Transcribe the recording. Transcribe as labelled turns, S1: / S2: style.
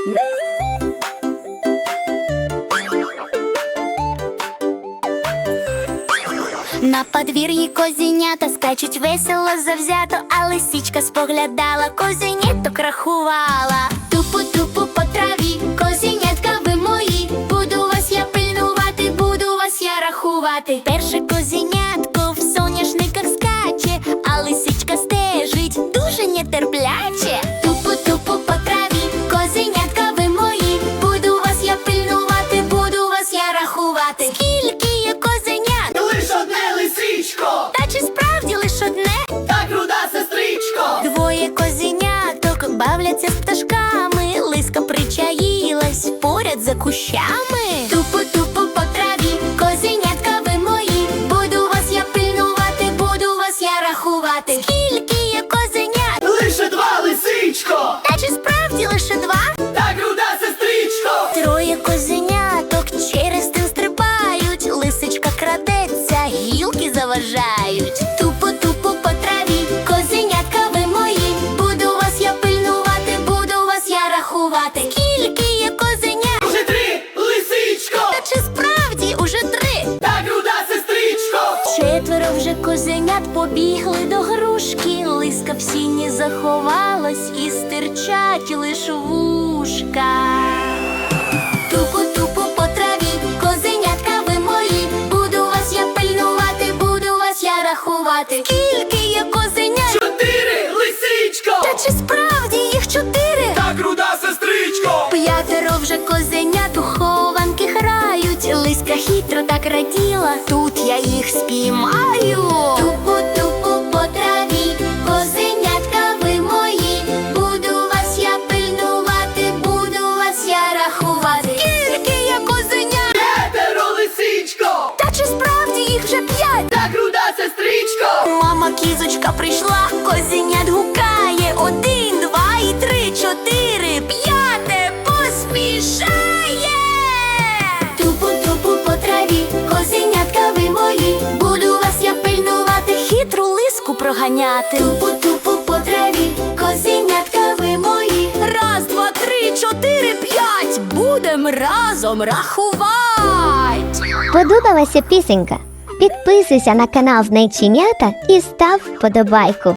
S1: На подвір'ї козенята скачуть весело, завзято, а лисичка споглядала, козеняток рахувала. Тупу-тупу по траві, козенятка ви мої, буду вас я пильнувати, буду вас я рахувати. Перше козенятко в соняшниках скаче, а лисичка стежить дуже нетерпляче. Тупу-тупу по траві, козенятка ви мої, буду вас я пильнувати, буду вас я рахувати. Скільки є козенят?
S2: Лиш одне лисичко,
S1: Та чи справді лиш одне?
S2: так руда сестричко.
S1: Двоє козеняток бавляться з пташками, лиска причаїлась поряд за кущами. Тупу-тупу по траві, козенятка ви мої, буду вас я пильнувати, буду вас я рахувати. Скільки є козенят?
S2: Лише два лисичко,
S1: Та чи справді лише два?
S2: так руда сестричко.
S1: Троє козеняток через тин стрибають, лисичка крадеться, гілки заважають. Тупу-тупу по траві, козенятка ви мої, буду вас я пильнувати, буду вас я рахувати. Скільки є козенят?
S2: Уже три лисичко,
S1: Та чи справді уже три?
S2: так руда сестричко.
S1: Четверо вже козенят побігли до грушки, лиска в сіні заховалась і стирчать лиш вушка. Тупу-тупу по траві, козенятка ви мої, буду вас я пильнувати, буду вас я рахувати. Скільки є козенят?
S2: Чотири лисичко,
S1: Та чи справді їх чотири?
S2: так руда сестричко.
S1: П'ятеро вже козенят у хованки грають, лиска хитро так раділа, тут я їх спіймаю. Тупу-тупу по траві, козенятка ви мої, буду вас я пильнувати, буду вас я рахувати. Скільки є козенят?
S2: П'ятеро лисичко,
S1: Та чи справді їх вже п'ять?
S2: так руда сестричко.
S1: Мама кізочка прийшла, козенят гукає, 1, 2 і 3, 4, 5 поспішає. Тупу-тупу по траві, козенятка ви мої, буду вас я пильнувати, хитру лиску проганяти. Тупу-тупу по траві, козенятка ви мої, 1, 2, 3, 4, 5, будем разом рахувати.
S3: Сподобалася пісенька? Підписуйся на канал Знайченята і став вподобайку.